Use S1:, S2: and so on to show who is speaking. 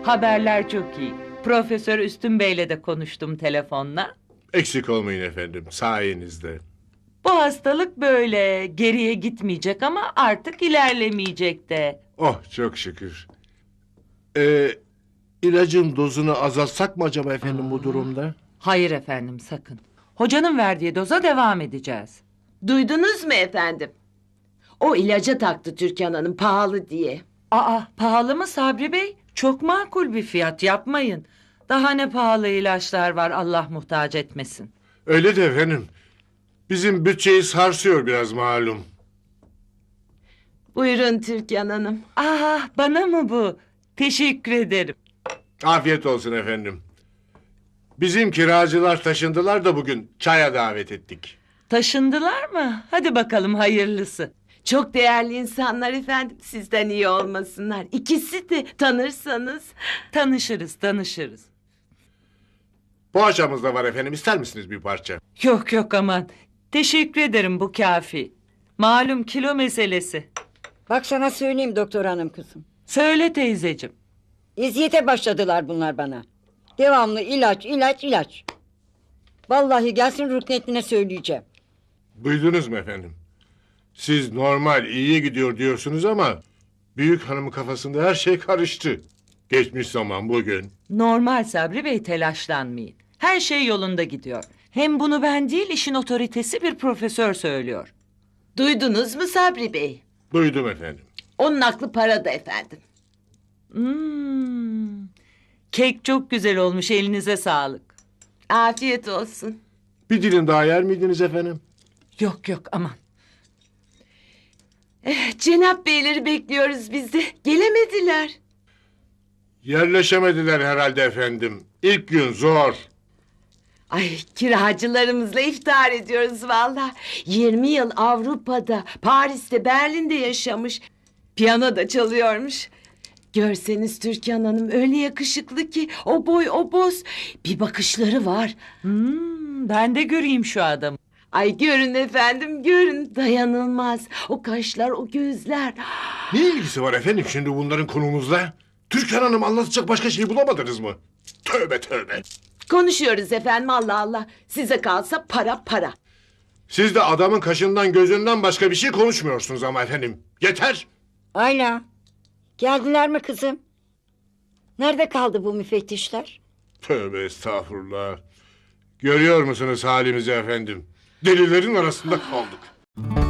S1: Haberler çok iyi. Profesör Üstün Bey'le de konuştum telefonla.
S2: Eksik olmayın efendim, sayenizde.
S1: Bu hastalık böyle geriye gitmeyecek ama artık ilerlemeyecek de.
S2: Oh, çok şükür. İlacın dozunu azaltsak mı acaba efendim bu durumda?
S1: Hayır efendim sakın. Hocanın verdiği doza devam edeceğiz.
S3: Duydunuz mu efendim? O ilaca taktı Türkan Hanım pahalı diye.
S1: Aa, pahalı mı Sabri Bey? Çok makul bir fiyat, yapmayın. Daha ne pahalı ilaçlar var, Allah muhtaç etmesin.
S2: Öyle de efendim. Bizim bütçeyi sarsıyor biraz malum.
S3: Buyurun Türkan Hanım.
S1: Aa, bana mı bu? Teşekkür ederim.
S2: Afiyet olsun efendim. Bizim kiracılar taşındılar da bugün çaya davet ettik.
S1: Taşındılar mı? Hadi bakalım hayırlısı.
S3: Çok değerli insanlar efendim. Sizden iyi olmasınlar. İkisi de tanırsanız.
S1: Tanışırız, tanışırız.
S2: Poğaçamız da var efendim, ister misiniz bir parça?
S1: Yok yok aman. Teşekkür ederim, bu kafi. Malum kilo meselesi.
S4: Bak sana söyleyeyim doktor hanım kızım.
S1: Söyle teyzeciğim.
S4: Eziyete başladılar bunlar bana. Devamlı ilaç, ilaç, ilaç. Vallahi gelsin Ruknettin'e söyleyeceğim.
S2: Duydunuz mu efendim? Siz normal, iyiye gidiyor diyorsunuz ama... ...büyük hanımın kafasında her şey karıştı. Geçmiş zaman bugün.
S1: Normal Sabri Bey, telaşlanmayın. Her şey yolunda gidiyor. Hem bunu ben değil, işin otoritesi bir profesör söylüyor.
S3: Duydunuz mu Sabri Bey?
S2: Duydum efendim.
S3: Onun aklı parada efendim.
S1: Kek çok güzel olmuş, elinize sağlık.
S3: Afiyet olsun.
S2: Bir dilim daha yer miydiniz efendim?
S1: Yok yok aman.
S3: Cenap Beyleri bekliyoruz biz de. Gelemediler.
S2: Yerleşemediler herhalde efendim. İlk gün zor.
S3: Ay kiracılarımızla iftar ediyoruz valla. 20 yıl Avrupa'da, Paris'te, Berlin'de yaşamış. Piyano da çalıyormuş. Görseniz Türkan Hanım öyle yakışıklı ki o boy o boz. Bir bakışları var.
S1: Ben de göreyim şu adamı.
S3: Ay görün efendim görün dayanılmaz. O kaşlar o gözler.
S2: Ne ilgisi var efendim şimdi bunların konumuzla? Türkan Hanım anlatacak başka şey bulamadınız mı? Tövbe tövbe.
S3: Konuşuyoruz efendim Allah Allah. Size kalsa para para.
S2: Siz de adamın kaşından gözünden başka bir şey konuşmuyorsunuz ama efendim. Yeter.
S4: Ayla. Geldiler mi kızım? Nerede kaldı bu müfettişler?
S2: Tövbe estağfurullah. Görüyor musunuz halimizi efendim? Delilerin arasında kaldık.